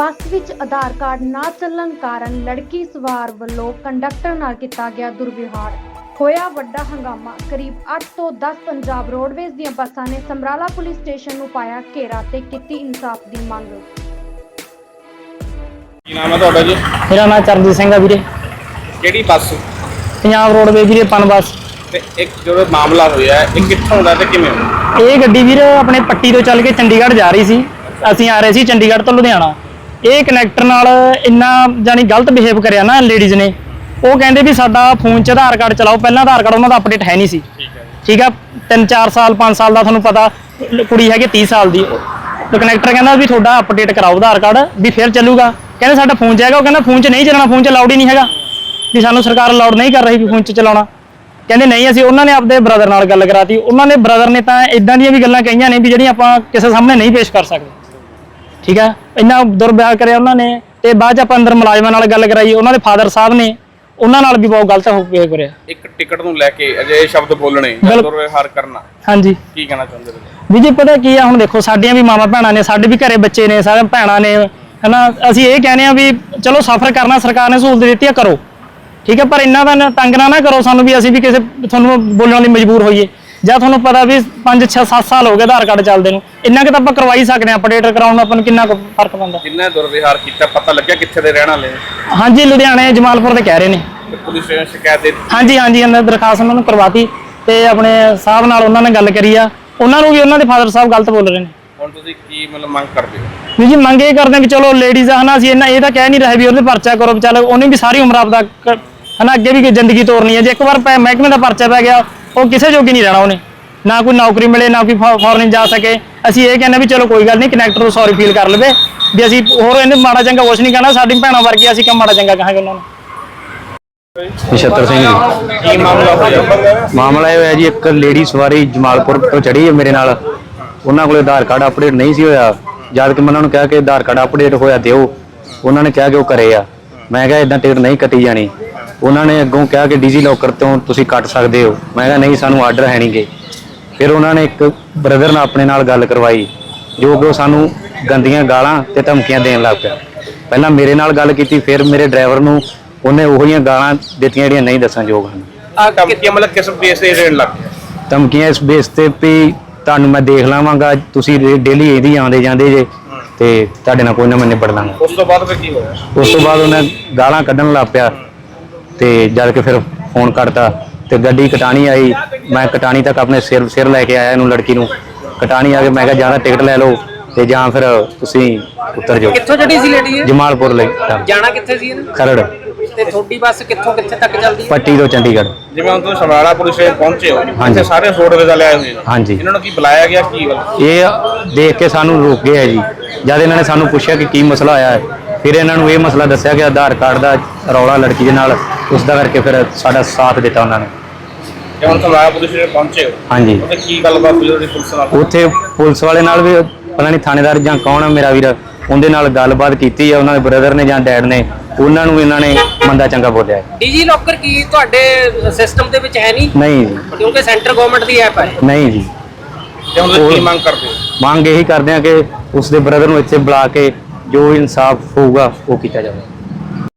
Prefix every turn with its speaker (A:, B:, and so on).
A: ਬੱਸ ਵਿੱਚ ਆਧਾਰ ਕਾਰਡ ਨਾ ਚੱਲਣ ਕਾਰਨ ਲੜਕੀ ਸਵਾਰ ਵੱਲੋਂ ਕੰਡਕਟਰ ਨਾਲ ਕੀਤਾ ਗਿਆ ਦੁਰਵਿਵਹਾਰ। ਹੋਇਆ ਵੱਡਾ ਹੰਗਾਮਾ। ਕਰੀਬ 8 ਤੋਂ 10 ਪੰਜਾਬ ਰੋਡਵੇਜ਼ ਦੀਆਂ ਬੱਸਾਂ ਨੇ ਸਮਰਾਲਾ ਪੁਲਿਸ ਸਟੇਸ਼ਨ ਨੂੰ ਪਾਇਆ ਘੇਰਾ ਤੇ ਕੀਤੀ ਇਨਸਾਫ ਦੀ ਮੰਗ।
B: ਕੀ ਨਾਮ ਹੈ ਤੁਹਾਡਾ ਜੀ?
C: ਮੇਰਾ ਨਾਮ ਚਰਨਜੀਤ ਸਿੰਘ ਆ ਵੀਰੇ।
B: ਕਿਹੜੀ ਬੱਸ?
C: ਪੰਜਾਬ ਰੋਡਵੇਜ਼ ਵੀਰੇ ਪਨ ਬੱਸ।
B: ਤੇ ਇੱਕ ਜੋ ਮਾਮਲਾ ਹੋਇਆ ਇਹ ਕਿੱਥੋਂ ਦਾ ਤੇ ਕਿਵੇਂ ਹੋਇਆ?
C: ਇਹ ਗੱਡੀ ਵੀਰ ਆਪਣੇ ਪੱਟੀ ਤੋਂ ਚੱਲ ਕੇ ਚੰਡੀਗੜ੍ਹ ਜਾ ਰਹੀ ਸੀ। ਅਸੀਂ ਆ ਰਹੇ ਸੀ ਚੰਡੀਗੜ੍ਹ ਤੋਂ ਲੁਧਿਆਣਾ। ਇਹ ਕਨੈਕਟਰ ਨਾਲ ਇੰਨਾ ਜਾਨੀ ਗਲਤ ਬਿਹੇਵ ਕਰਿਆ ਨਾ ਲੇਡੀਜ਼ ਨੇ। ਉਹ ਕਹਿੰਦੇ ਵੀ ਸਾਡਾ ਫੋਨ 'ਚ ਆਧਾਰ ਕਾਰਡ ਚਲਾਓ। ਪਹਿਲਾਂ ਆਧਾਰ ਕਾਰਡ ਉਹਨਾਂ ਦਾ ਅਪਡੇਟ ਹੈ ਨਹੀਂ ਸੀ। ਠੀਕ ਆ 3-4 ਸਾਲ 5 ਸਾਲ ਦਾ ਤੁਹਾਨੂੰ ਪਤਾ ਕੁੜੀ ਹੈਗੀ 30 ਸਾਲ ਦੀ। ਤੇ ਕਨੈਕਟਰ ਕਹਿੰਦਾ ਵੀ ਤੁਹਾਡਾ ਅਪਡੇਟ ਕਰਾਓ ਆਧਾਰ ਕਾਰਡ ਵੀ ਫਿਰ ਚੱਲੂਗਾ। ਕਹਿੰਦੇ ਸਾਡਾ ਫੋਨ 'ਚ ਹੈਗਾ। ਉਹ ਕਹਿੰਦਾ ਫੋਨ 'ਚ ਨਹੀਂ ਚੱਲਣਾ, ਫੋਨ 'ਚ ਅਲਾਉਡ ਹੀ ਨਹੀਂ ਹੈਗਾ ਵੀ ਸਾਨੂੰ ਸਰਕਾਰ ਅਲਾਉਡ ਨਹੀਂ ਕਰ ਰਹੀ ਵੀ ਫੋਨ 'ਚ ਚਲਾਉਣਾ। ਕਹਿੰਦੇ ਨਹੀਂ ਅਸੀਂ ਉਹਨਾਂ ਨੇ ਆਪਦੇ ਬ੍ਰਦਰ ਨਾਲ ਗੱਲ ਕਰਾਤੀ। ਉਹਨਾਂ ਨੇ ਬ੍ਰਦਰ ਨੇ ਤਾਂ ਇਦਾਂ ਦੀਆਂ ਵੀ ਗੱਲਾਂ ਕਹੀਆਂ ਨੇ ਵੀ ਜਿਹੜੀਆਂ ਆਪਾਂ ਕਿਸੇ ਸਾਹਮਣੇ ਨਹੀਂ ਪੇਸ਼ ਕਰ ਸਕਦੇ। ਠੀਕ ਹੈ ਇੰਨਾ ਦੁਰਵਿਵਹਾਰ ਕਰਿਆ ਉਹਨਾਂ ਨੇ। ਤੇ ਬਾਅਦ 'ਚ ਆਪਾਂ ਅੰਦਰ ਮੁਲਾਜ਼ਮਾਂ ਨਾਲ ਗੱਲ ਕਰਾਈ। ਉਹਨਾਂ ਦੇ ਫਾਦਰ ਸਾਹਿਬ ਨੇ ਉਹਨਾਂ ਨਾਲ ਵੀ ਬਹੁਤ ਗਲਤ ਬਿਹੇਵ ਕਰਿਆ। ਇੱਕ
B: ਟਿਕਟ ਨੂੰ ਲੈ ਕੇ ਅਜਿਹੇ ਸ਼ਬਦ ਬੋਲਣੇ, ਦੁਰਵਿਵਹਾਰ ਕਰਨਾ।
C: ਹਾਂਜੀ
B: ਕੀ ਕਹਿਣਾ ਚਾਹੁੰਦੇ ਹੋ
C: ਵੀ ਜੀ? ਪਤਾ ਕੀ ਆ ਹੁਣ ਦੇਖੋ ਸਾਡੀਆਂ ਵੀ ਮਾਵਾਂ ਭੈਣਾਂ ਨੇ, ਸਾਡੇ ਵੀ ਘਰੇ ਬੱਚੇ ਨੇ, ਸਾਰੇ ਭੈਣਾਂ ਨੇ ਹਨਾ। ਅਸੀਂ ਇਹ ਕਹਿੰਦੇ ਆ ਵੀ ਚਲੋ ਸਫ਼ਰ ਕਰਨਾ ਸਰਕਾਰ ਨੇ ਸਹੂਲਤ ਦਿੱਤੀ ਆ ਕਰੋ। ਠੀਕ ਹੈ ਪਰ ਇੰਨਾ ਤਾਂ ਤੰਗ ਨਾ ਕਰੋ ਸਾਨੂੰ ਵੀ ਅਸੀਂ ਵੀ ਕਿਸੇ ਤੁਹਾਨੂੰ ਬੋਲਣ ਲਈ ਮਜਬੂਰ ਹੋਈਏ। ਜਾਂ ਤੁਹਾਨੂੰ ਪਤਾ ਵੀ 5-6-7 ਸਾਲ ਹੋ ਗਏ ਆਧਾਰ ਕਾਰਡ ਚੱਲਦੇ ਨੂੰ, ਇੰਨਾ ਕਿ ਤਾਂ ਆਪਾਂ ਕਰਵਾ ਹੀ ਸਕਦੇ ਹਾਂ। ਅਪਡੇਟ ਕਰਾਉਣ ਨੂੰ ਆਪਾਂ ਨੂੰ ਕਿੰਨਾ ਫਰਕ ਪੈਂਦਾ।
B: ਜਿੰਨਾ ਦੁਰਵਿਵਹਾਰ ਕੀਤਾ ਪਤਾ ਲੱਗਿਆ ਕਿੱਥੇ ਦੇ ਰਹਿਣ ਵਾਲੇ?
C: ਹਾਂਜੀ ਲੁਧਿਆਣੇ ਜਮਾਲਪੁਰ ਦੇ ਕਹਿ ਰਹੇ ਨੇ।
B: ਪੁਲਿਸ ਸਟੇਸ਼ਨ ਸ਼ਿਕਾਇਤ ਦੇ?
C: ਹਾਂਜੀ ਅੰਦਰ ਦਰਖਾਸਤ ਉਹਨਾਂ ਨੂੰ ਕਰਵਾਤੀ ਤੇ ਆਪਣੇ ਸਾਹਿਬ ਨਾਲ ਉਹਨਾਂ ਨੇ ਗੱਲ ਕਰੀ ਆ। ਉਹਨਾਂ ਨੂੰ ਵੀ ਉਹਨਾਂ ਦੇ ਫਾਦਰ ਸਾਹਿਬ ਗਲਤ ਬੋਲ ਰਹੇ ਨੇ।
B: ਹੁਣ ਤੁਸੀਂ ਕੀ ਮਤਲਬ ਮੰਗ ਕਰਦੇ ਹੋ?
C: ਵੀ ਜੀ ਮੰਗ ਇਹ ਕਰਦੇ ਵੀ ਚਲੋ ਲੇਡੀਜ਼ ਆ ਹਨਾ। ਅਸੀਂ ਇਹ ਤਾਂ ਕਹਿ ਨਹੀਂ ਰਹੇ ਵੀ ਉਹਦੇ ਪਰਚਾ ਕਰੋ। ਚੱਲ ਉਹਨੇ ਵੀ ਸਾਰੀ ਉਮਰ ਆਪਦਾ ਹਨਾ ਅੱਗੇ ਵੀ ਜ਼ਿੰਦਗੀ ਤੋਰਨੀ ਹੈ। ਜੇ ਇੱਕ ਵਾਰ ਮਹਿਕਮੇ ਦਾ ਪਰਚਾ ਪੈ ਗਿਆ ਉਹ ਕਿਸੇ ਜੋਗੀ ਨਹੀਂ ਰਹਿਣਾ। ਉਹਨੇ ਨਾ ਕੋਈ ਨੌਕਰੀ ਮਿਲੇ ਨਾ ਕੋਈ ਫੋਰਨ ਜਾ ਸਕੇ। ਅਸੀਂ ਇਹ ਕਹਿੰਦੇ ਵੀ ਚਲੋ ਕੋਈ ਗੱਲ ਨਹੀਂ ਕਨੈਕਟਰ ਨੂੰ ਸੌਰੀ ਫੀਲ ਕਰ ਲਵੇ ਵੀ ਅਸੀਂ ਹੋਰ ਇਹਨੇ ਮਾੜਾ ਚੰਗਾ ਕੁਛ ਨਹੀਂ ਕਹਿਣਾ। ਸਾਡੀ ਭੈਣਾਂ ਵਰਗੀ ਅਸੀਂ ਕਿਉਂ ਮਾੜਾ ਚੰਗਾ ਕਹਾਂਗੇ ਉਹਨਾਂ ਨੂੰ।
D: ਨਛੱਤਰ ਸਿੰਘ ਜੀ।
B: ਕੀ ਮਾਮਲਾ ਹੋਇਆ?
D: ਮਾਮਲਾ ਇਹ ਹੋਇਆ ਜੀ ਇੱਕ ਲੇਡੀ ਸਵਾਰੀ ਜਮਾਲਪੁਰ ਤੋਂ ਚੜੀ ਹੈ ਮੇਰੇ ਨਾਲ। ਉਹਨਾਂ ਕੋਲ ਆਧਾਰ ਕਾਰਡ ਅਪਡੇਟ ਨਹੀਂ ਸੀ ਹੋਇਆ। ਜਦ ਕਿ ਮੈਂ ਉਹਨਾਂ ਨੂੰ ਕਿਹਾ ਕਿ ਆਧਾਰ ਕਾਰਡ ਅਪਡੇਟ ਹੋਇਆ ਦਿਓ। ਉਹਨਾਂ ਨੇ ਕਿਹਾ ਕਿ ਉਹ ਕਰੇ ਆ। ਮੈਂ ਕਿਹਾ ਇਦਾਂ ਟਿਕਟ ਨਹੀਂ ਕੱਟੀ ਜਾਣੀ। ਉਹਨਾਂ ਨੇ ਅੱਗੋਂ ਕਿਹਾ ਕਿ ਡੀਜੀ ਲੋਕਰ ਤੋਂ ਤੁਸੀਂ ਕੱਟ ਸਕਦੇ ਹੋ। ਮੈਂ ਕਿਹਾ ਨਹੀਂ ਸਾਨੂੰ ਆਰਡਰ ਹੈ ਨਹੀਂਗੇ। ਫਿਰ ਉਹਨਾਂ ਨੇ ਇੱਕ ਬ੍ਰਦਰ ਨਾਲ ਆਪਣੇ ਨਾਲ ਗੱਲ ਕਰਵਾਈ ਜੋ ਕਿ ਉਹ ਸਾਨੂੰ ਗੰਦੀਆਂ ਗਾਲਾਂ ਤੇ ਧਮਕੀਆਂ ਦੇਣ ਲੱਗ ਪਿਆ। ਪਹਿਲਾਂ ਮੇਰੇ ਨਾਲ ਗੱਲ ਕੀਤੀ ਫਿਰ ਮੇਰੇ ਡਰਾਈਵਰ ਨੂੰ ਉਹਨੇ ਉਹੀ ਗਾਲਾਂ ਦਿੱਤੀਆਂ ਜਿਹੜੀਆਂ ਨਹੀਂ ਦੱਸਣਯੋਗ ਹਨ।
B: ਧਮਕੀਆਂ ਮਤਲਬ ਕਿਸ ਬੇਸ ਤੇ ਦੇਣ ਲੱਗ ਪਿਆ?
D: ਧਮਕੀਆਂ ਇਸ ਬੇਸ ਤੇ ਵੀ ਤੁਹਾਨੂੰ ਮੈਂ ਦੇਖ ਲਵਾਂਗਾ, ਤੁਸੀਂ ਡੇਲੀ ਇਹਦੀ ਆਉਂਦੇ ਜਾਂਦੇ ਜੇ ਤੇ ਤੁਹਾਡੇ ਨਾਲ ਕੋਈ ਨਾ ਮੈਂ ਨਿਬੜ ਲਾਂਗਾ।
B: ਉਸ ਤੋਂ ਬਾਅਦ ਫਿਰ ਕੀ ਹੋਇਆ?
D: ਉਸ ਤੋਂ ਬਾਅਦ ਉਹਨੇ ਗਾਲਾਂ ਕੱਢਣ ਲੱਗ ਪਿਆ ਤੇ ਜਦ ਕਿ ਫਿਰ ਫੋਨ ਕੱਟਤਾ ਤੇ ਗੱਡੀ ਕਟਾਣੀ ਆਈ। ਮੈਂ ਕਟਾਣੀ ਤੱਕ ਆਪਣੇ ਸਿਰ ਲੈ ਕੇ ਆਇਆ ਇਹਨੂੰ ਲੜਕੀ ਨੂੰ। ਕਟਾਣੀ ਆ ਕੇ ਮੈਂ ਕਿਹਾ ਜਾਂ ਤਾਂ ਟਿਕਟ ਲੈ ਲਓ ਤੇ ਜਾਂ ਫਿਰ ਤੁਸੀਂ ਉੱਤਰ ਜਾਓ।
E: ਕਿੱਥੋਂ ਚੜੀ ਸੀ ਲੇਡੀ?
D: ਜਮਾਲਪੁਰ ਲਈ।
E: ਜਾਣਾ ਕਿੱਥੇ ਸੀ ਇਹਨੇ?
D: ਖਰੜ।
E: ਤੇ ਤੁਹਾਡੀ ਬੱਸ ਕਿੱਥੋਂ ਕਿੱਥੇ ਤੱਕ ਚੱਲਦੀ ਹੈ?
D: ਪੱਟੀ ਤੋਂ ਚੰਡੀਗੜ੍ਹ।
B: ਜਿਵੇਂ ਹੁਣ ਤੁਸੀਂ ਸਮਰਾਲਾ ਪੁਲਿਸ ਸਟੇਸ਼ਨ ਪਹੁੰਚੇ ਹੋ,
D: ਹਾਂਜੀ।
B: ਸਾਰੇ ਰੋਡਵੇਜ਼ ਵਾਲੇ ਆਏ ਹੋਏ ਨੇ।
D: ਹਾਂਜੀ।
B: ਇਹਨਾਂ ਨੂੰ ਕੀ ਬੁਲਾਇਆ ਗਿਆ? ਕੀ ਗੱਲ?
D: ਇਹ ਦੇਖ ਕੇ ਸਾਨੂੰ ਰੋਕ ਗਏ ਹੈ ਜੀ। ਜਦ ਇਹਨਾਂ ਨੇ ਸਾਨੂੰ ਪੁੱਛਿਆ ਕਿ ਕੀ ਮਸਲਾ ਹੋਇਆ ਹੈ ਫਿਰ ਇਹਨਾਂ ਨੂੰ ਇਹ ਮਸਲਾ ਦੱਸਿਆ ਕਿ ਆਧਾਰ ਕਾਰਡ ਦਾ ਰੌਲਾ ਲੜਕੀ ਦੇ ਨਾਲ, ਉਸ ਦਾ ਕਰਕੇ ਫਿਰ ਸਾਡਾ ਸਾਥ ਦਿੱਤਾ ਉਹਨਾਂ ਨੇ।
B: ਤੇ ਹੁਣ ਸਮਰਾਲਾ ਪੁਲਿਸ ਸਟੇਸ਼ਨ ਪਹੁੰਚੇ ਹੋ?
D: ਹਾਂਜੀ।
B: ਉੱਥੇ ਕੀ ਗੱਲਬਾਤ ਹੋਈ ਤੁਹਾਡੀ ਪੁਲਿਸ ਨਾਲ?
D: ਉੱਥੇ ਪੁਲਿਸ ਵਾਲੇ ਨਾਲ ਵੀ ਪਤਾ ਨਹੀਂ ਥਾਣੇਦਾਰ ਜਾਂ ਕੌਣ ਹੈ ਮੇਰਾ ਵੀਰ, ਉਹਦੇ ਨਾਲ ਗੱਲਬਾਤ ਕੀਤੀ ਹੈ। ਉਹਨਾਂ ਦੇ ਬ੍ਰਦਰ ਨੇ ਜਾਂ ਡੈਡ ਨੇ, ਉਹਨਾਂ ਨੂੰ ਇਹਨਾਂ ਨੇ ਮੰਦਾ ਚੰਗਾ ਬੋਲਿਆ।
E: ਡੀਜੀ ਲੋਕਰ ਕੀ ਤੁਹਾਡੇ ਸਿਸਟਮ ਦੇ ਵਿੱਚ ਹੈ ਨਹੀਂ?
D: ਨਹੀਂ ਜੀ।
E: ਕਿਉਂਕਿ ਸੈਂਟਰ ਗਵਰਨਮੈਂਟ ਦੀ ਐਪ ਹੈ।
D: ਨਹੀਂ ਜੀ।
B: ਤੇ ਹੁਣ ਤੁਸੀਂ ਕੀ ਮੰਗ ਕਰਦੇ ਹੋ?
D: ਮੰਗ ਇਹੀ ਕਰਦੇ ਆ ਕਿ ਉਸ ਦੇ ਬ੍ਰਦਰ ਨੂੰ ਇੱਥੇ ਬੁਲਾ ਕੇ ਜੋ ਇਨਸਾਫ ਹੋਊਗਾ ਉਹ ਕੀਤਾ ਜਾਵੇ।